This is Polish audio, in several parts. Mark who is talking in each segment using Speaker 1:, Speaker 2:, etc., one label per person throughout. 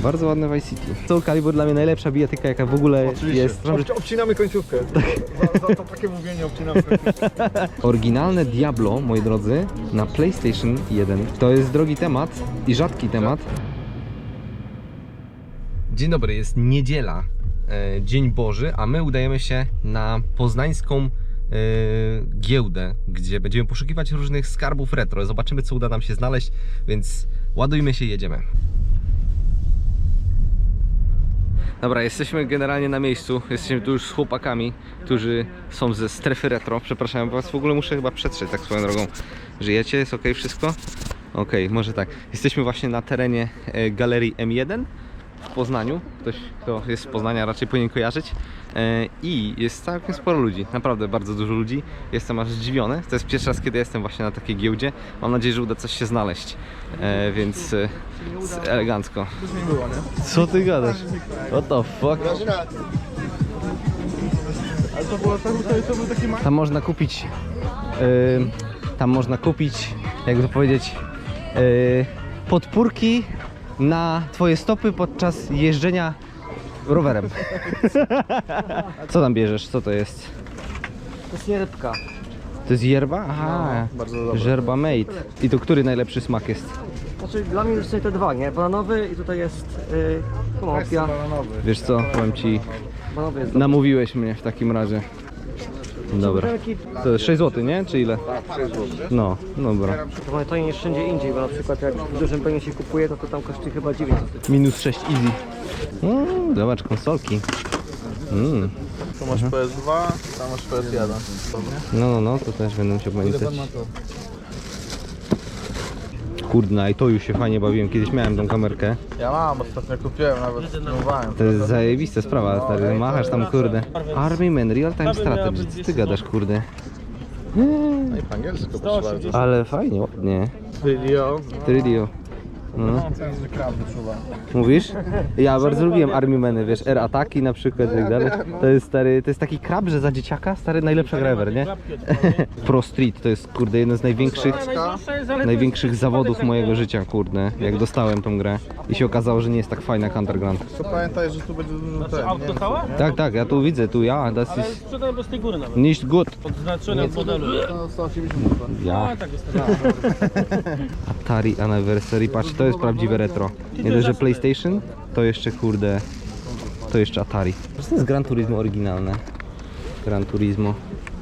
Speaker 1: Bardzo ładne Vice City. Soul Calibur dla mnie najlepsza bijatyka, jaka w ogóle jest.
Speaker 2: Obcinamy końcówkę. Za to takie mówienie obcinamy końcówkę.
Speaker 1: Oryginalne Diablo, moi drodzy, na PlayStation 1. To jest drogi temat i rzadki temat. Dzień dobry, jest niedziela, Dzień Boży, a my udajemy się na poznańską giełdę, gdzie będziemy poszukiwać różnych skarbów retro. Zobaczymy, co uda nam się znaleźć, więc ładujmy się i jedziemy. Dobra, jesteśmy generalnie na miejscu. Jesteśmy tu już z chłopakami, którzy są ze strefy retro. Przepraszam was, w ogóle muszę chyba przetrzeć tak swoją drogą. Żyjecie? Jest ok wszystko? Ok, może tak. Jesteśmy właśnie na terenie galerii M1 w Poznaniu. Ktoś, kto jest z Poznania, raczej powinien kojarzyć. I jest całkiem sporo ludzi, naprawdę bardzo dużo ludzi. Jestem aż zdziwiony. To jest pierwszy raz, kiedy jestem właśnie na takiej giełdzie. Mam nadzieję, że uda coś się znaleźć, więc elegancko. Co ty gadasz? What the fuck?
Speaker 2: Ale to był taki
Speaker 1: tam można kupić, jakby to powiedzieć, podpórki na twoje stopy podczas jeżdżenia rowerem. Co tam bierzesz? Co to jest?
Speaker 3: To jest jerbka.
Speaker 1: To jest yerba? Aha,
Speaker 2: No, bardzo dobre.
Speaker 1: yerba mate. I to który najlepszy smak jest?
Speaker 3: Znaczy dla mnie już są te dwa, nie? Bananowy i tutaj jest konopia.
Speaker 1: Wiesz co, powiem ci,
Speaker 3: Bananowy jest
Speaker 1: namówiłeś mnie w takim razie. Dobra. To jest 6 zł, nie? Czy ile? No, dobra.
Speaker 3: to mamy taniej niż wszędzie indziej, bo na przykład jak w dużym penie się kupuje, to tam kosztuje chyba 9 zł.
Speaker 1: Minus 6 easy. Zobacz, konsolki.
Speaker 2: Tu masz PS2, tam masz PS1.
Speaker 1: No, to też będę musiał pamiętać. Kurde, i to już się fajnie bawiłem. Kiedyś miałem tą kamerkę.
Speaker 2: Ja mam, ostatnio kupiłem, nawet spróbowałem.
Speaker 1: To jest zajebista sprawa, stary. Machasz tam, kurde. Army Man, Real Time Strategy. Co ty gadasz, kurde?
Speaker 2: No i po angielsku proszę bardzo.
Speaker 1: Ale fajnie, ładnie.
Speaker 2: Video.
Speaker 1: Trilio. No.
Speaker 2: To jest krab wyczuwa.
Speaker 1: Mówisz? Ja bardzo lubiłem Army Many, wiesz, Air Ataki na przykład i tak dalej. To jest stary, to jest taki krab, że za dzieciaka, stary, najlepsza gra ever, nie? Pro Street to jest, kurde, jeden z największych zawodów mojego życia, kurde, jak dostałem tą grę i się okazało, że nie jest tak fajna jak Underground.
Speaker 2: To pamiętaj, że tu będzie ten,
Speaker 4: Auto całe?
Speaker 1: Tak, ja tu widzę, das
Speaker 4: Ale
Speaker 1: ist
Speaker 4: sprzedałem bez tej góry nawet.
Speaker 1: nicht gut.
Speaker 4: Odznaczone od modelu.
Speaker 2: to 180 zł.
Speaker 1: Ja.
Speaker 4: A tak jest.
Speaker 1: Atari Anniversary, patrz, to jest prawdziwe retro. Nie dość, że PlayStation, to jeszcze, kurde, to jeszcze Atari. To jest Gran Turismo oryginalne. Gran Turismo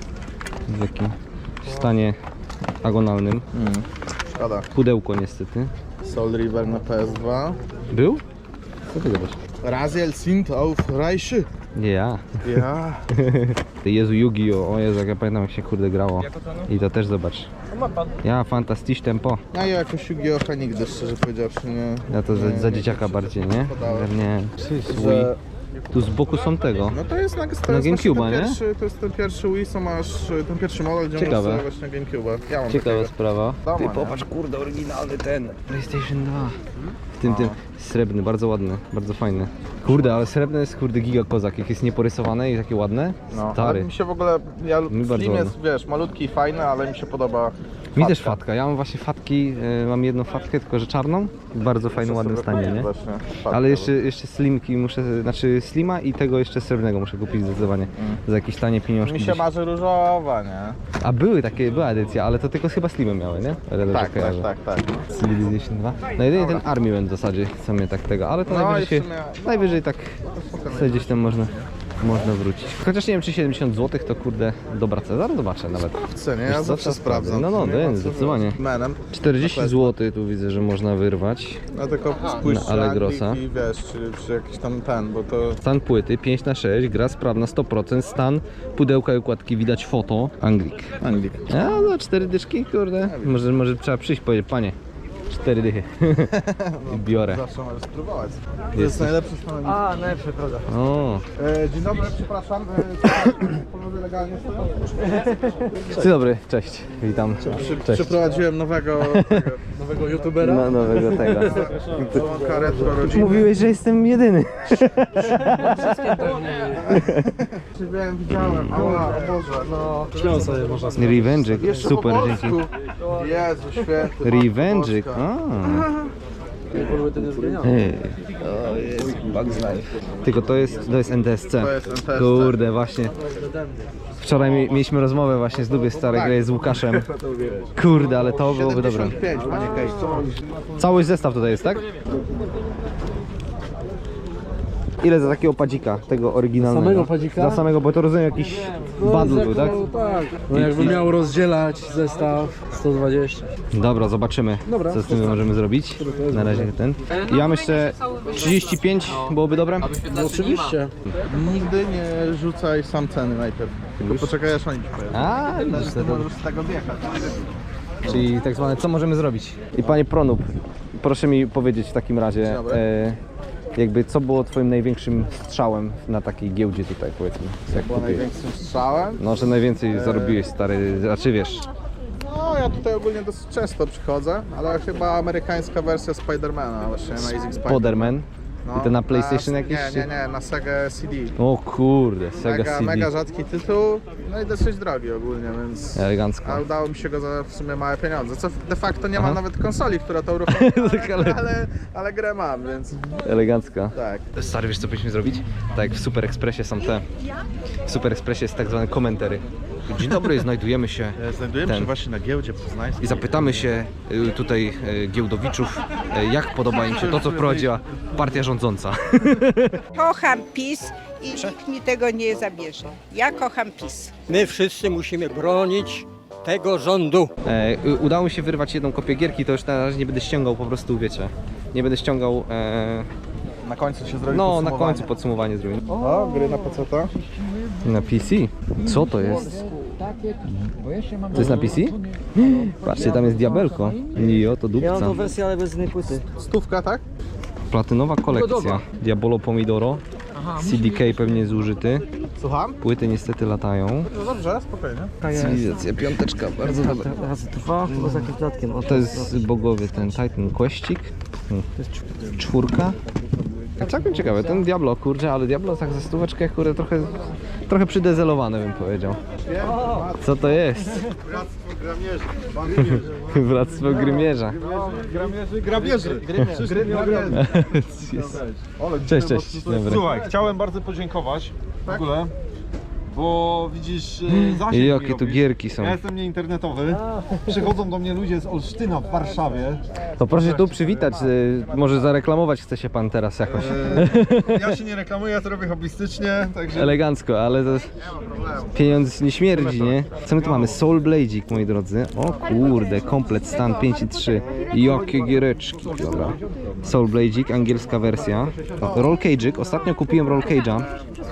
Speaker 1: w takim stanie agonalnym.
Speaker 2: Szkoda.
Speaker 1: Pudełko niestety.
Speaker 2: Soul River na PS2.
Speaker 1: Był? Co ty gadasz?
Speaker 2: Raziel sind auf Reiche.
Speaker 1: Ja.
Speaker 2: Ja.
Speaker 1: Jezu, Yu-Gi-Oh! O Jezu, jak ja pamiętam, jak się, kurde, grało. I to też zobacz. Ja, fantastisch tempo.
Speaker 2: Ja jakoś Yu-Gi-Oha nigdy, szczerze powiedziawszy, nie.
Speaker 1: Ja to za dzieciaka bardziej, nie? Nie.
Speaker 2: Że...
Speaker 1: Tu z boku są tego.
Speaker 2: No to jest na
Speaker 1: GameCube'a, nie?
Speaker 2: To jest ten pierwszy Wii, co masz, ten pierwszy model, gdzie
Speaker 1: Ciekawe.
Speaker 2: masz właśnie GameCube'a. Ja mam
Speaker 1: Ciekawa
Speaker 2: takiego.
Speaker 1: sprawa.
Speaker 2: Doma,
Speaker 1: Ty
Speaker 2: nie?
Speaker 1: popatrz, kurde, oryginalny ten PlayStation 2. Tym srebrny, bardzo ładny, bardzo fajny. Kurde, ale srebrny jest, kurde, giga kozak. Jak jest nieporysowane i takie ładne.
Speaker 2: No, ale
Speaker 1: Stary.
Speaker 2: mi się w ogóle,
Speaker 1: Mi bardzo
Speaker 2: Slim jest,
Speaker 1: ładny.
Speaker 2: wiesz, malutki i fajny, ale mi się podoba
Speaker 1: Mi też fatka. Ja mam właśnie fatki, mam jedną fatkę, tylko że czarną. W bardzo fajnym, ładnym stanie, nie?
Speaker 2: Właśnie, fatkę.
Speaker 1: Ale jeszcze slimki muszę, znaczy slima i tego jeszcze srebrnego muszę kupić zdecydowanie. Za jakieś tanie pieniążki.
Speaker 2: Mi się
Speaker 1: gdzieś.
Speaker 2: marzy różowa, nie?
Speaker 1: A była edycja, ale to tylko chyba slimy miały, nie?
Speaker 2: Tak.
Speaker 1: Civilization 2. No jedynie ten Army Man w zasadzie, co mnie tak tego, ale to
Speaker 2: No
Speaker 1: najwyżej,
Speaker 2: i w sumie-
Speaker 1: najwyżej tak sobie gdzieś tam można wrócić. Chociaż nie wiem, czy 70 zł to, kurde, dobra cena, zaraz zobaczę nawet.
Speaker 2: Chcę, nie?
Speaker 1: Wiesz
Speaker 2: Ja
Speaker 1: co,
Speaker 2: zawsze
Speaker 1: to
Speaker 2: sprawdzam.
Speaker 1: No,
Speaker 2: Nie ma co
Speaker 1: zdecydowanie.
Speaker 2: z menem.
Speaker 1: 40 zł tu widzę, że można wyrwać.
Speaker 2: No tylko spójrz
Speaker 1: Na Allegrosa.
Speaker 2: i wiesz, czy jakiś tam ten, bo to...
Speaker 1: Stan płyty 5/6, gra sprawna 100%, stan pudełka i układki widać foto, Anglik. A, za 4 dyszki, kurde. Może trzeba przyjść i powiedzieć, panie, 4 dychy. I biorę.
Speaker 2: Zawsze możesz spróbować. To jest najlepszy szpanek.
Speaker 3: A, najlepsze, prawda.
Speaker 1: O,
Speaker 2: Dzień dobry, przepraszam. Panowie legalnie stoją?
Speaker 1: dzień dobry, cześć, witam. Cześć.
Speaker 2: Przeprowadziłem nowego youtubera.
Speaker 1: No, nowego tego.
Speaker 2: Łąka retro rodziny.
Speaker 1: Mówiłeś, że jestem jedyny.
Speaker 2: Widziałem, ała, o Boże, no.
Speaker 1: Revenge'ik,
Speaker 2: Jeszcze
Speaker 1: super,
Speaker 2: po
Speaker 1: dzięki.
Speaker 2: polsku. Jezu święty.
Speaker 1: Revenge'ik,
Speaker 2: Polska.
Speaker 1: Ej, Bugs Life. Tylko to jest NTSC.
Speaker 2: To jest NTSC.
Speaker 1: Kurde, właśnie. Wczoraj mieliśmy rozmowę właśnie z Dubie Starej Gry z Łukaszem. Kurde, ale to byłoby dobre.
Speaker 2: 75, panie Case, co mówisz?
Speaker 1: Cały zestaw tutaj jest, tak? Ile za takiego padzika, tego oryginalnego?
Speaker 3: Samego padzika?
Speaker 1: Za samego, bo to rozumiem jakiś bundle był, tak?
Speaker 3: Tak. No jakby miał rozdzielać zestaw 120.
Speaker 1: Dobra, zobaczymy, co z tym możemy zrobić. Na razie ten. Ja myślę 35 byłoby dobre?
Speaker 3: No oczywiście.
Speaker 2: Nigdy nie rzucaj sam ceny najpierw. Tylko poczekaj, aż oni ci pojawią.
Speaker 1: A, widzisz, to
Speaker 2: Możesz z tego wjechać.
Speaker 1: czyli tak zwane, co możemy zrobić? I panie Pronub, proszę mi powiedzieć w takim razie,
Speaker 2: Dobry.
Speaker 1: jakby co było twoim największym strzałem na takiej giełdzie tutaj, powiedzmy? Jak
Speaker 2: Była
Speaker 1: kupiłeś?
Speaker 2: największym strzałem.
Speaker 1: No, że najwięcej zarobiłeś, stary, znaczy wiesz,
Speaker 2: No, ja tutaj ogólnie dosyć często przychodzę, ale chyba amerykańska wersja Spidermana, właśnie Amazing Spider-Man.
Speaker 1: Poderman.
Speaker 2: No,
Speaker 1: I to na PlayStation
Speaker 2: na,
Speaker 1: jakieś?
Speaker 2: Nie, na Sega CD.
Speaker 1: O kurde, Sega CD.
Speaker 2: Mega rzadki tytuł, no i dosyć drogi ogólnie, więc...
Speaker 1: Elegancko.
Speaker 2: A udało mi się go za w sumie małe pieniądze, co de facto nie
Speaker 1: Aha.
Speaker 2: ma nawet konsoli, która to uruchomi,
Speaker 1: Tak,
Speaker 2: ale grę mam, więc
Speaker 1: Elegancko.
Speaker 2: tak.
Speaker 1: Stary, wiesz co powinniśmy zrobić? Tak jak w Super Expressie są te. W Super Expressie jest tak zwane komentary. Dzień dobry, znajdujemy się
Speaker 2: Znajdujemy
Speaker 1: Ten.
Speaker 2: się właśnie na giełdzie poznańskiej.
Speaker 1: i zapytamy się tutaj giełdowiczów, jak podoba im się to, co wprowadziła partia rządząca.
Speaker 5: Kocham PiS i nikt mi tego nie zabierze. Ja kocham PiS.
Speaker 6: My wszyscy musimy bronić tego rządu.
Speaker 1: Udało mi się wyrwać jedną kopię gierki, to już na razie nie będę ściągał, po prostu wiecie. Nie będę ściągał,
Speaker 2: Na końcu się zrobi
Speaker 1: no na
Speaker 2: podsumowanie.
Speaker 1: końcu podsumowanie zrobię.
Speaker 2: O, gry na PC-ta.
Speaker 1: Na PC? Co to jest? To jest na PC? Patrzcie, tam jest diabelko. Jo, to
Speaker 3: Ja mam
Speaker 1: dupca.
Speaker 3: tą wersję, ale bez innej płyty.
Speaker 2: Stówka, tak?
Speaker 1: Platynowa kolekcja. Diabolo Pomidoro. CDK pewnie zużyty.
Speaker 2: Słucham?
Speaker 1: Płyty niestety latają.
Speaker 2: No dobrze, spokojnie.
Speaker 1: Cywilizacja piąteczka, bardzo dobra.
Speaker 3: Razy 2, chyba za jakimś dodatkiem. O,
Speaker 1: To jest bogowy ten Titan Questik. Czwórka. Całkiem ciekawe, ten Diablo, kurczę, ale Diablo tak za stóweczkę, kurde, trochę przydezelowane bym powiedział. Co to jest? Bractwo Grymierza.
Speaker 2: Grabieży.
Speaker 1: Cześć, cześć. Dobra.
Speaker 7: Słuchaj, chciałem bardzo podziękować w ogóle, bo widzisz, zasięg
Speaker 1: I
Speaker 7: mi
Speaker 1: jakie tu
Speaker 7: robisz.
Speaker 1: gierki są.
Speaker 7: Ja jestem nieinternetowy, przychodzą do mnie ludzie z Olsztyna w Warszawie.
Speaker 1: To proszę tu przywitać, może zareklamować chce się pan teraz jakoś.
Speaker 7: Ja się nie reklamuję, ja to robię hobbystycznie, także
Speaker 1: Elegancko, ale to pieniądz nie śmierdzi, nie? Co my tu mamy? Soul Blade'ik, moi drodzy. O kurde, komplet stan 5.3. Jakie giereczki, dobra. Soul Blade'ik, angielska wersja. O, Roll Cage'ik, ostatnio kupiłem Roll Cage'a.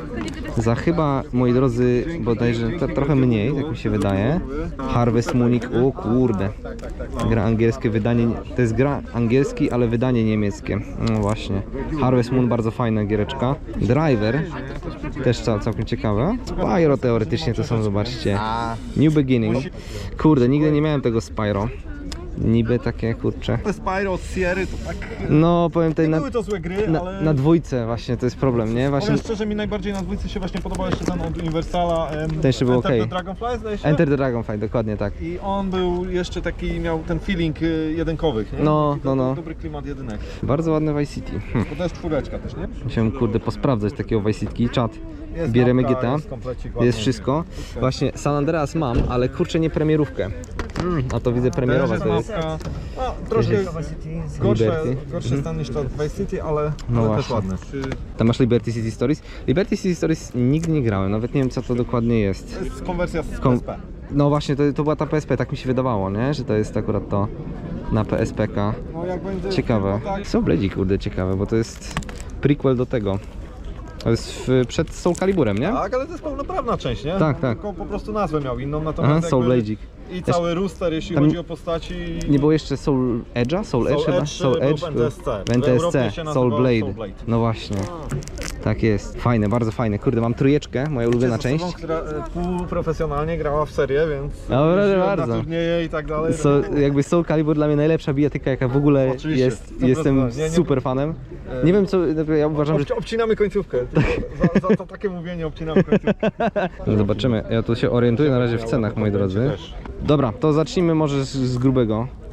Speaker 1: Za chyba, moi drodzy, bodajże trochę mniej, jak mi się wydaje. Harvest Munich, o kurde. Gra angielskie, wydanie, to jest gra angielski, ale wydanie niemieckie. No właśnie. Harvest Moon, bardzo fajna giereczka. Driver, też całkiem ciekawe. Spyro teoretycznie to są, zobaczcie. New Beginning. Kurde, nigdy nie miałem tego Spyro. Niby takie, kurcze.
Speaker 7: te Spyro od Sierry to tak...
Speaker 1: No, powiem tutaj
Speaker 7: Nie były to złe gry, ale...
Speaker 1: na dwójce właśnie, to jest problem, nie? Właśnie
Speaker 7: Powiem szczerze, mi najbardziej na dwójce się właśnie podobał jeszcze ten od Universala.
Speaker 1: Ten jeszcze był
Speaker 7: Enter
Speaker 1: okej.
Speaker 7: the Dragonfly, zdaje się?
Speaker 1: Enter the Dragonfly, dokładnie tak.
Speaker 7: I on był jeszcze taki, miał ten feeling jedynkowych, nie?
Speaker 1: No,
Speaker 7: I to
Speaker 1: no.
Speaker 7: był dobry klimat jedynek.
Speaker 1: Bardzo ładny Vice City.
Speaker 7: Bo to jest czwóreczka też, nie?
Speaker 1: Musiałem, kurde, posprawdzać takiego Vice City. Czat.
Speaker 7: Jest
Speaker 1: Bierzemy
Speaker 7: mapka,
Speaker 1: GTA.
Speaker 7: jest komplecik,
Speaker 1: Jest
Speaker 7: ładnie.
Speaker 1: wszystko. Właśnie San Andreas mam, ale kurczę nie premierówkę. A to widzę premierowa
Speaker 7: Też
Speaker 1: to jest.
Speaker 7: mapka. No, troszkę
Speaker 1: Liberty.
Speaker 7: gorsze stan niż to Vice City, ale,
Speaker 1: No
Speaker 7: ale też
Speaker 1: właśnie.
Speaker 7: ładne.
Speaker 1: Tam masz Liberty City Stories. Liberty City Stories nigdy nie grałem, nawet nie wiem co to dokładnie jest.
Speaker 7: To jest konwersja z
Speaker 1: Kom-
Speaker 7: PSP.
Speaker 1: No właśnie, to była ta PSP, tak mi się wydawało, nie? Że to jest akurat to na PSPK.
Speaker 7: No jak będzie
Speaker 1: Ciekawe.
Speaker 7: tak,
Speaker 1: Są Bladzi, kurde, ciekawe, bo to jest prequel do tego. To jest przed Soul Caliburem, nie?
Speaker 7: tak, ale to jest pełnoprawna część, nie?
Speaker 1: Tak, tak.
Speaker 7: Tylko po prostu nazwę miał inną, natomiast
Speaker 1: Aha, Soul
Speaker 7: jakby
Speaker 1: Bladzik.
Speaker 7: i cały rooster, jeśli
Speaker 1: Tam
Speaker 7: chodzi o postaci.
Speaker 1: Nie było jeszcze Soul Edge'a? Soul Edge chyba?
Speaker 7: Soul Edge był w NTSC.
Speaker 1: W NTSC,
Speaker 7: W Europie się
Speaker 1: Soul
Speaker 7: nazywał
Speaker 1: Blade.
Speaker 7: Soul Blade.
Speaker 1: No właśnie. Tak jest. Fajne, bardzo fajne. Kurde, mam trójeczkę, moja ulubiona
Speaker 7: Jest osobą,
Speaker 1: część.
Speaker 7: która półprofesjonalnie grała w serię, więc
Speaker 1: No, proszę
Speaker 7: jeździłem
Speaker 1: bardzo.
Speaker 7: na turnieje i tak dalej.
Speaker 1: Jakby Soul Calibur dla mnie najlepsza bijatyka jaka w ogóle
Speaker 7: Oczywiście,
Speaker 1: jest.
Speaker 7: 100%.
Speaker 1: Jestem
Speaker 7: Nie,
Speaker 1: super fanem. Nie wiem co, ja uważam, że...
Speaker 7: Obcinamy końcówkę. Za takie mówienie obcinamy końcówkę.
Speaker 1: Zobaczymy, ja tu się orientuję na razie w cenach, moi drodzy. Dobra, to zacznijmy może z grubego.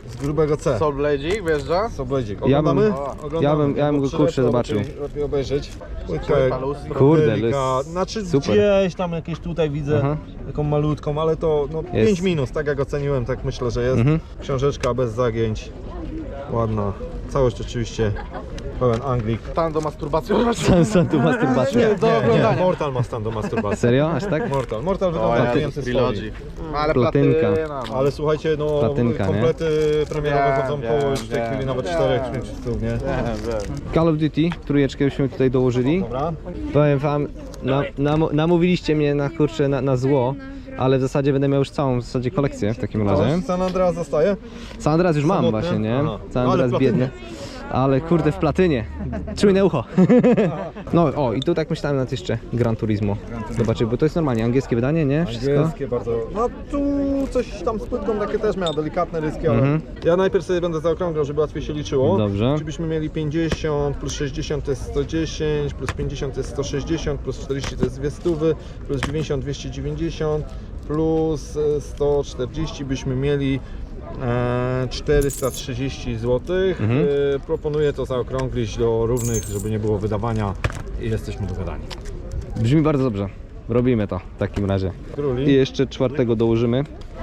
Speaker 7: z grubego C.
Speaker 2: Soul Bladzik wjeżdża?
Speaker 7: Sobledzik.
Speaker 1: Ja bym-
Speaker 7: Oglądamy?
Speaker 1: ja bym go,
Speaker 7: Bo
Speaker 1: kurczę,
Speaker 7: lepiej-
Speaker 1: zobaczył.
Speaker 7: Lepiej obejrzeć.
Speaker 2: paluski.
Speaker 1: Kurde,
Speaker 7: Delika.
Speaker 1: lys-
Speaker 7: Znaczy
Speaker 1: super.
Speaker 7: gdzieś tam jakieś tutaj widzę
Speaker 1: Aha.
Speaker 7: taką malutką, ale to no,
Speaker 1: Jest.
Speaker 7: 5 minus, tak jak oceniłem, tak myślę, że jest.
Speaker 1: Mhm.
Speaker 7: Książeczka bez zagięć. Ładna. Całość oczywiście pełen Anglik.
Speaker 2: Stan do masturbacji.
Speaker 1: Sam tu masturbacja.
Speaker 7: Nie, Mortal ma stan do masturbacji.
Speaker 1: Serio? Aż tak?
Speaker 7: Mortal wygląda więcej stoi.
Speaker 2: Ale
Speaker 1: Platynka.
Speaker 2: platyna. No.
Speaker 7: Ale słuchajcie, no
Speaker 1: Platynka, nie?
Speaker 7: komplety premierowe
Speaker 2: Wiem,
Speaker 7: chodzą
Speaker 2: wiem,
Speaker 7: po już w tej
Speaker 2: wiem,
Speaker 7: chwili nawet
Speaker 2: wiem,
Speaker 7: 4-5 stów, nie?
Speaker 1: Call of Duty, trójeczkę byśmy tutaj dołożyli.
Speaker 7: Dobra.
Speaker 1: Powiem wam, namówiliście mnie na kurczę na zło, ale w zasadzie będę miał już całą w zasadzie kolekcję w takim razie.
Speaker 7: San Andreas zostaje?
Speaker 1: San Andreas już mam
Speaker 7: Samotny?
Speaker 1: właśnie, nie?
Speaker 7: Aha.
Speaker 1: San
Speaker 7: Ale
Speaker 1: Andreas
Speaker 7: w platynie.
Speaker 1: biedny. Ale kurde w platynie. Czujne ucho. No o i tu tak myślałem nad jeszcze Gran Turismo. Zobaczyć, bo to jest normalnie angielskie wydanie, nie? Wszystko.
Speaker 7: Angielskie bardzo. No tu coś tam z płytką takie też miała, delikatne ryski, ale
Speaker 1: Mhm.
Speaker 7: ja najpierw sobie będę zaokrąglał, żeby łatwiej się liczyło.
Speaker 1: Dobrze.
Speaker 7: Czy byśmy mieli 50, plus 60 to jest 110, plus 50 to jest 160, plus 40 to jest 200, plus 90 290, plus 140 byśmy mieli 430 zł.
Speaker 1: Mhm.
Speaker 7: Proponuję to zaokrąglić do równych, żeby nie było wydawania i jesteśmy dogadani.
Speaker 1: Brzmi bardzo dobrze. Robimy to w takim razie. I
Speaker 7: Króli
Speaker 1: jeszcze czwartego dołożymy.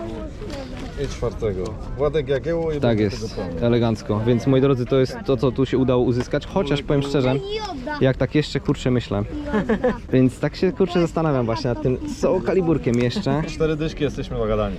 Speaker 7: i czwartego. Władek Jagiełło i
Speaker 1: Tak
Speaker 7: będzie
Speaker 1: jest,
Speaker 7: tego pełno.
Speaker 1: elegancko. Więc moi drodzy, to jest to, co tu się udało uzyskać. Chociaż powiem szczerze, jak tak jeszcze kurczę myślę. Więc tak się kurczę zastanawiam właśnie nad tym Soul Caliburkiem jeszcze.
Speaker 7: 4 dyszki, jesteśmy dogadani.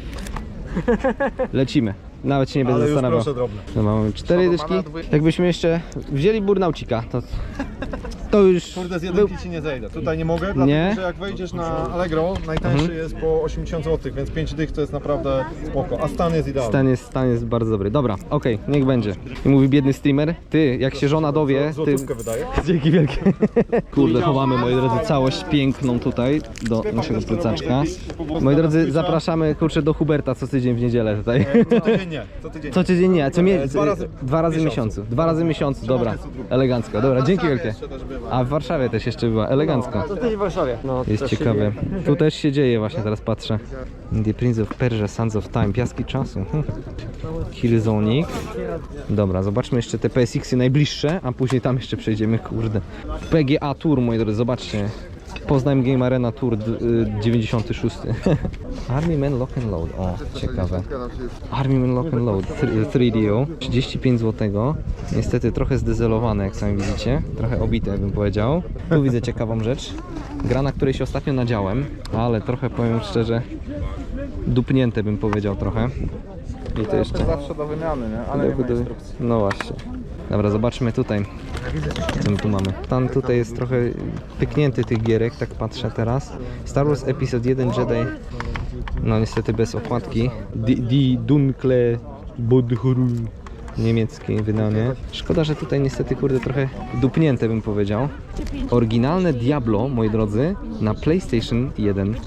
Speaker 1: Lecimy. Nawet się nie będę
Speaker 7: Ale już
Speaker 1: zastanawiał.
Speaker 7: proszę drobne.
Speaker 1: No, mamy 4 dyszki. Jakbyśmy jeszcze wzięli Burnaucika, to już
Speaker 7: Kurde, z
Speaker 1: był...
Speaker 7: jedynki ci nie zejdę. Tutaj nie mogę, dlatego
Speaker 1: Nie?
Speaker 7: że jak wejdziesz na Allegro, najtańszy jest po 80 zł, więc 5 dych to jest naprawdę spoko. A stan jest idealny.
Speaker 1: Stan jest bardzo dobry. Dobra, okej, niech będzie. I mówi biedny streamer, ty, jak się żona dowie, ty...
Speaker 7: Złotówkę wydaje.
Speaker 1: Dzięki wielkie. Kurde, chowamy, moi drodzy, całość piękną tutaj do naszego plecaczka. Moi drodzy, zapraszamy, kurczę, do Huberta co tydzień w niedzielę tutaj.
Speaker 7: Co tydzień nie, co tydzień
Speaker 1: Co tydzień nie,
Speaker 7: Dwa razy
Speaker 1: w miesiącu. 2 razy w miesiącu, dobra. Elegancko, dobra, dzięki wielkie. A w Warszawie też jeszcze była, elegancko.
Speaker 3: To też w Warszawie. No,
Speaker 1: Jest
Speaker 3: też się
Speaker 1: ciekawe.
Speaker 3: dzieje.
Speaker 1: Tu też się dzieje właśnie, teraz patrzę. The Prince of Persia, Sons of Time, Piaski Czasu. Killzonic. Dobra, zobaczmy jeszcze te PSX-y najbliższe, a później tam jeszcze przejdziemy, kurde. PGA Tour, moi drodzy, zobaczcie. Poznań Game Arena Tour 96. Army Man Lock and Load, o, ciekawe. Army Man Lock and Load 3DO, 35 zł. Niestety trochę zdezelowane, jak sami widzicie. Trochę obite, bym powiedział. Tu widzę ciekawą rzecz. Gra, na której się ostatnio nadziałem, ale trochę, powiem szczerze, dupnięte, bym powiedział trochę. I to jeszcze...
Speaker 2: Zawsze do wymiany, nie? Ale nie ma instrukcji.
Speaker 1: No właśnie. Dobra, zobaczmy tutaj, co my tu mamy. Tam tutaj jest trochę pyknięty tych gierek, tak patrzę teraz. Star Wars Episode 1 Jedi, no niestety bez okładki. Die Dunkle Bodhrul, niemieckie wydanie. Szkoda, że tutaj niestety, kurde, trochę dupnięte, bym powiedział. Oryginalne Diablo, moi drodzy, na PlayStation 1.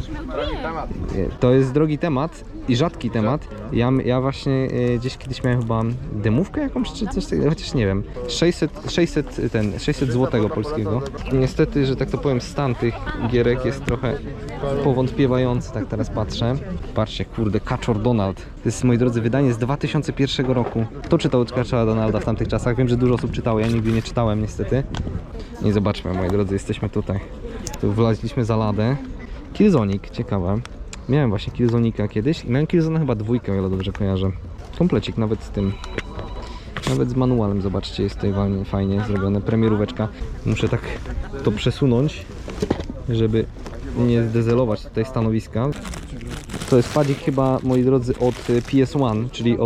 Speaker 1: To jest drogi temat i rzadki temat. Ja właśnie gdzieś kiedyś miałem chyba demówkę jakąś czy coś takiego, chociaż nie wiem. 600 złotego polskiego. Niestety, że tak to powiem, stan tych gierek jest trochę powątpiewający, tak teraz patrzę. Patrzcie, kurde, Kaczor Donald. To jest, moi drodzy, wydanie z 2001 roku. Kto czytał Kaczora Donalda w tamtych czasach? Wiem, że dużo osób czytało, ja nigdy nie czytałem niestety. I zobaczmy, moi drodzy, jesteśmy tutaj. Tu wlaziliśmy za ladę. Killzonic, ciekawe. Miałem właśnie Killzonika kiedyś i miałem Killzona chyba 2, o ile dobrze kojarzę. Komplecik nawet z tym. Nawet z manualem, zobaczcie, jest tutaj fajnie zrobione. Premieróweczka. Muszę tak to przesunąć, żeby nie zdezelować tutaj stanowiska. To jest padzik chyba, moi drodzy, od PS1, czyli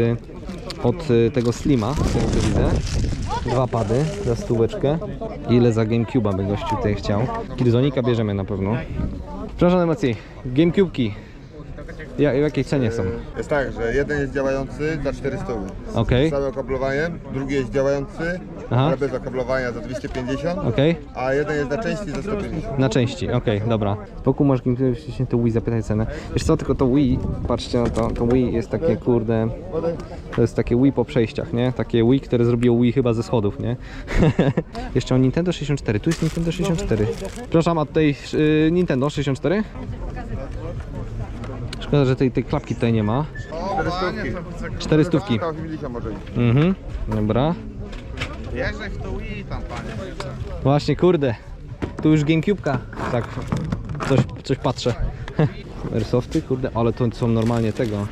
Speaker 1: od tego Slima, z tego co widzę. 2 pady za 100. Ile za Gamecube'a by gościu tutaj chciał? Killzonika bierzemy na pewno. Przepraszam najmocniej, Gamecube'ki. W jakiej cenie są?
Speaker 8: Jest tak, że jeden jest działający za 400
Speaker 1: Okej.
Speaker 8: z całym okablowaniem, drugi jest działający,
Speaker 1: Aha.
Speaker 8: ale bez okablowania za 250,
Speaker 1: Okej.
Speaker 8: a jeden jest na części za 150.
Speaker 1: Na części, okej, dobra. Wokół masz Gamecube'y, to Wii, zapytaj cenę. Wiesz co, tylko to Wii, patrzcie na to, to Wii jest takie, kurde, to jest takie Wii po przejściach, nie? Takie Wii, które zrobiło Wii chyba ze schodów, nie? Jeszcze o Nintendo 64, tu jest Nintendo 64. Przepraszam, a tutaj Nintendo 64? Szkoda, że tej klapki tutaj nie ma. 400.
Speaker 8: 80 może iść.
Speaker 1: Mhm, dobra.
Speaker 2: Jeżdżaj w to Wii tam, panie.
Speaker 1: Właśnie, kurde. Tu już GameCube'ka. Tak, coś patrzę. Airsofty, kurde, ale to są normalnie tego.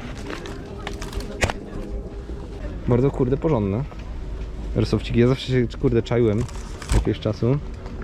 Speaker 1: Bardzo, kurde, porządne. Airsofciki, ja zawsze się, kurde, czaiłem jakiegoś czasu.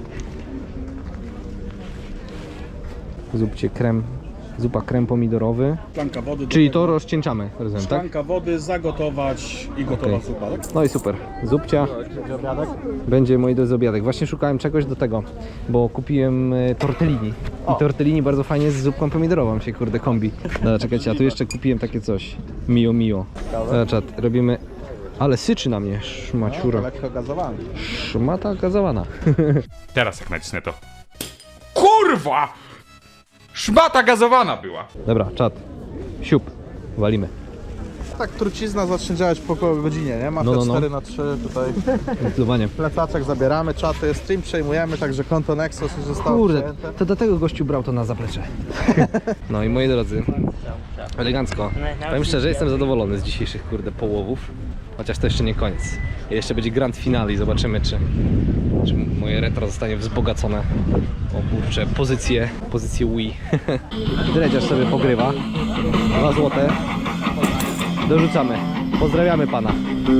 Speaker 1: Zupcie krem, zupa krem pomidorowy.
Speaker 9: Szklanka wody. do
Speaker 1: Czyli
Speaker 9: tego.
Speaker 1: to rozcieńczamy, rozumiem, tak?
Speaker 9: Szklanka wody, zagotować i gotowa
Speaker 1: Okej.
Speaker 9: zupa, tak?
Speaker 1: No i super. Zupcia. Będzie, moi drodzy, obiadek. Właśnie szukałem czegoś do tego, bo kupiłem tortellini. I tortellini bardzo fajnie z zupką pomidorową się, kurde, kombi. Dobra, czekajcie, a tu jeszcze kupiłem takie coś. Mio mio. Dobra, czat, robimy... Ale syczy na mnie, szmaciura.
Speaker 2: Lekko gazowany.
Speaker 1: Szmata gazowana.
Speaker 10: Teraz jak nacisnę to. Kurwa! Szmata gazowana była!
Speaker 1: Dobra, czat. Siup. Walimy.
Speaker 2: Tak, trucizna zacznie działać po około godzinie, nie? Ma
Speaker 1: No,
Speaker 2: te
Speaker 1: no, no.
Speaker 2: 4x3 tutaj.
Speaker 1: Zdecydowanie.
Speaker 2: Plecaczek zabieramy, czaty, stream przejmujemy, także konto Nexus już zostało
Speaker 1: Kurde,
Speaker 2: przejęte.
Speaker 1: to dlatego gościu brał to na zaplecze. No i moi drodzy, elegancko. Powiem szczerze, jestem zadowolony z dzisiejszych, kurde, połowów. Chociaż to jeszcze nie koniec. Jeszcze będzie grand finale i zobaczymy, czy moje retro zostanie wzbogacone o kurcze pozycję Wii. Dredziarz sobie pogrywa. 2 złote. Dorzucamy. Pozdrawiamy pana.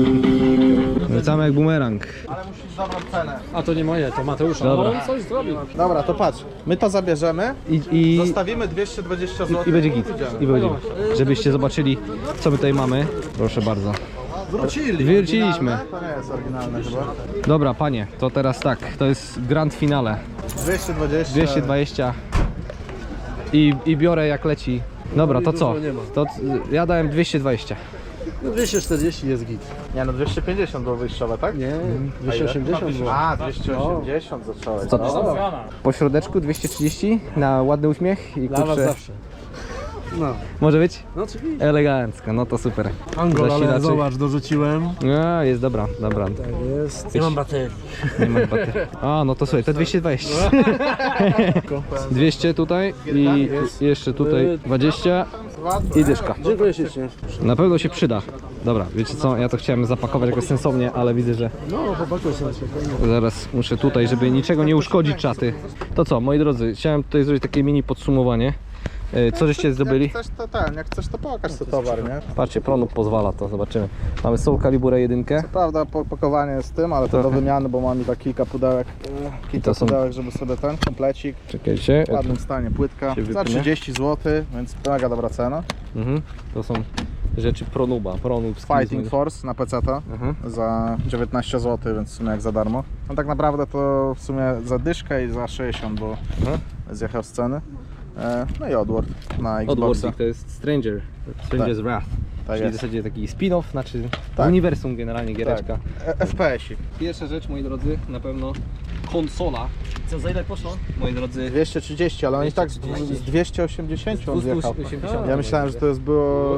Speaker 1: Wracamy jak bumerang.
Speaker 2: Ale musisz zabrać cenę.
Speaker 9: A to nie moje, to Mateusza.
Speaker 1: Dobra.
Speaker 9: On coś zrobił.
Speaker 2: Dobra, to patrz, my to zabierzemy,
Speaker 1: I
Speaker 2: zostawimy 220 zł
Speaker 1: i będzie git. I będzie. Żebyście zobaczyli, co my tutaj mamy. Proszę bardzo. Wróciliśmy.
Speaker 2: Oryginalne? To nie jest oryginalne chyba.
Speaker 1: Dobra, panie, to teraz tak. To jest grand finale.
Speaker 2: 220.
Speaker 1: 220 i biorę jak leci. Dobra, to co? To ja dałem 220.
Speaker 3: No 240 jest git.
Speaker 2: Nie no, 250 było wyjściowe, tak?
Speaker 3: Nie, 280 było.
Speaker 2: A, 280 zacząłeś.
Speaker 1: Co? Po środeczku 230 na ładny uśmiech i
Speaker 3: Dla was
Speaker 1: kurczę.
Speaker 3: zawsze. No,
Speaker 1: Może być?
Speaker 3: no oczywiście.
Speaker 1: Elegancko, no to super.
Speaker 3: Angol, ale
Speaker 1: Zasilaczy.
Speaker 3: zobacz, dorzuciłem.
Speaker 1: No, jest dobra, dobra.
Speaker 3: Tak jest. Nie mam baterii.
Speaker 1: Nie ma baterii. A, no to słuchaj, to 220. 200 tutaj i jeszcze tutaj 20 i dyszka.
Speaker 3: Dziękuję ślicznie.
Speaker 1: Na pewno się przyda. Dobra, wiecie co, ja to chciałem zapakować jakoś sensownie, ale widzę, że
Speaker 3: No, chłopaku sobie spokojnie.
Speaker 1: zaraz muszę tutaj, żeby niczego nie uszkodzić czaty. To co, moi drodzy, chciałem tutaj zrobić takie mini podsumowanie. Co żeście zdobyli?
Speaker 2: Jak chcesz to pokaż ten towar, nie?
Speaker 1: Patrzcie, Pronub pozwala, to zobaczymy. Mamy Soul Calibura 1.
Speaker 2: Prawda, pakowanie jest tym, ale to do wymiany, bo mam i tak kilka pudełek,
Speaker 1: To są-
Speaker 2: żeby sobie ten komplecik
Speaker 1: Czekajcie.
Speaker 2: w ładnym stanie, płytka,
Speaker 1: Się
Speaker 2: za
Speaker 1: wypnie.
Speaker 2: 30 zł, więc mega dobra cena.
Speaker 1: To są rzeczy Pronuba. Pronub
Speaker 2: Fighting Force na PC-ta za 19 zł, więc w sumie jak za darmo. No tak naprawdę to w sumie za dyszkę i za 60, bo zjechał z ceny. No i Oddworld na Xboxa.
Speaker 1: Oddworld to jest Stranger's Wrath.
Speaker 2: Tak
Speaker 1: Czyli w
Speaker 2: jest.
Speaker 1: zasadzie taki spin-off, znaczy
Speaker 2: Tak.
Speaker 1: uniwersum generalnie giereczka.
Speaker 2: FPS-ik.
Speaker 1: Pierwsza rzecz, moi drodzy, na pewno konsola. Co, za ile poszło? Moi drodzy,
Speaker 2: 230, ale on i tak z 280 on zjechał.
Speaker 1: 280.
Speaker 2: Ja myślałem, że to jest było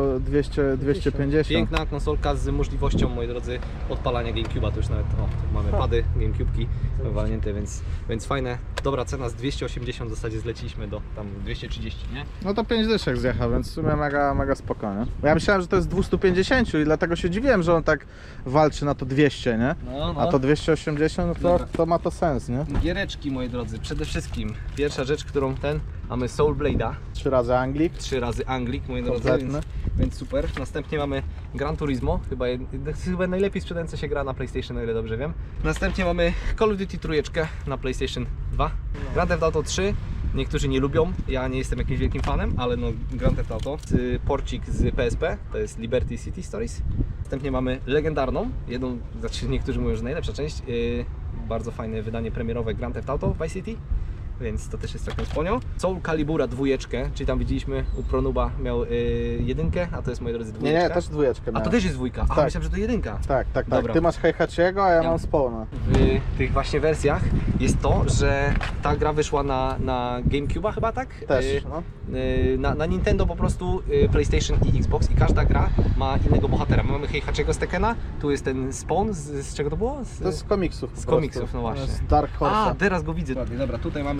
Speaker 2: 250.
Speaker 1: Piękna konsolka z możliwością, moi drodzy, odpalania GameCube'a. To już nawet, tu mamy pady, GameCube'ki walnięte, więc fajne. Dobra cena, z 280 w zasadzie zleciliśmy do tam 230, nie?
Speaker 2: No to 5 dyszek zjechał, więc w sumie mega spokojnie. Bo ja myślałem, że to jest 250 i dlatego się dziwiłem, że on tak walczy na to 200, nie?
Speaker 1: No,
Speaker 2: A to 280, no to ma to sens, nie?
Speaker 1: Giereczki, moi drodzy, przede wszystkim pierwsza rzecz, którą mamy Soul Blade'a,
Speaker 2: 3 razy Anglik.
Speaker 1: 3 razy Anglik, moi drodzy,
Speaker 2: Kompletny.
Speaker 1: więc super. Następnie mamy Gran Turismo, chyba najlepiej sprzedająca się gra na PlayStation, o ile dobrze wiem. Następnie mamy Call of Duty trójeczkę na PlayStation 2. Grand Theft Auto 3, niektórzy nie lubią, ja nie jestem jakimś wielkim fanem, ale no Grand Theft Auto. Porcik z PSP, to jest Liberty City Stories. Następnie mamy legendarną, znaczy niektórzy mówią, że najlepsza część, bardzo fajne wydanie premierowe Grand Theft Auto Vice City. Więc to też jest taką sponią. Soul Calibura 2, czyli tam widzieliśmy u Pronuba miał 1, a to jest, moi drodzy, 2.
Speaker 2: Nie, też dwójeczkę
Speaker 1: A
Speaker 2: miałem.
Speaker 1: to też jest 2. A
Speaker 2: Tak.
Speaker 1: myślałem, że to 1.
Speaker 2: Tak.
Speaker 1: Dobra.
Speaker 2: Ty masz Heihachiego, a ja mam Spawna.
Speaker 1: W tych właśnie wersjach jest to, że ta gra wyszła na GameCube'a chyba, tak?
Speaker 2: Też, no.
Speaker 1: Na Nintendo po prostu, PlayStation i Xbox i każda gra ma innego bohatera. My mamy Heihachiego z Tekkena, tu jest ten Spawn, z czego to było?
Speaker 2: To jest z komiksów. po
Speaker 1: Z
Speaker 2: prostu.
Speaker 1: komiksów, no właśnie.
Speaker 2: Z Dark Horse.
Speaker 1: A, teraz go widzę. Dobra, tutaj mamy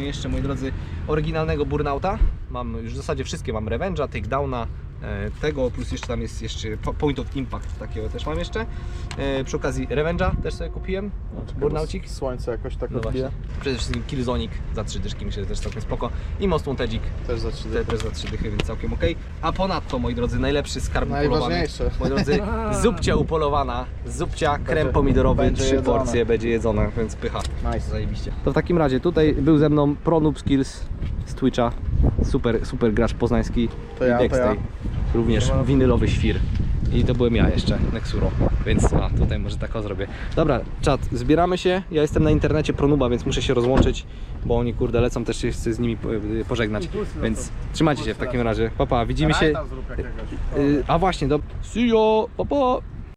Speaker 1: jeszcze, moi drodzy, oryginalnego Burnouta. Mam już w zasadzie wszystkie, mam Revenge'a, Takedowna, tego, plus jeszcze tam jest jeszcze Point of Impact, takiego też mam jeszcze. Przy okazji Revenge'a też sobie kupiłem, Burnoucik.
Speaker 2: Słońce jakoś tak
Speaker 1: No
Speaker 2: odbija.
Speaker 1: właśnie. Przede wszystkim Killzonic za 3 dyszki, myślę, że też całkiem spoko. I Most Wantedzik
Speaker 2: Też za 3
Speaker 1: też za 3 dychy, więc całkiem ok. A ponadto, moi drodzy, najlepszy skarb upolowany.
Speaker 2: Najważniejsze.
Speaker 1: Moi drodzy, zupcia upolowana, zupcia, krem pomidorowy,
Speaker 2: będzie
Speaker 1: 3
Speaker 2: jedzone.
Speaker 1: porcje, będzie jedzona, więc pycha.
Speaker 2: Nice.
Speaker 1: Zajebiście. To w takim razie tutaj był ze mną ProNoob Skills z Twitcha. Super gracz poznański.
Speaker 2: To ja,
Speaker 1: I Dextay. Również winylowy świr. I to byłem ja jeszcze, Nexuro. Więc tutaj może tak o zrobię. Dobra, czat, zbieramy się. Ja jestem na internecie ProNuba, więc muszę się rozłączyć, bo oni kurde lecą, też się chcę z nimi pożegnać. Więc trzymajcie się w takim razie. Pa, widzimy się. A właśnie, see you, pa.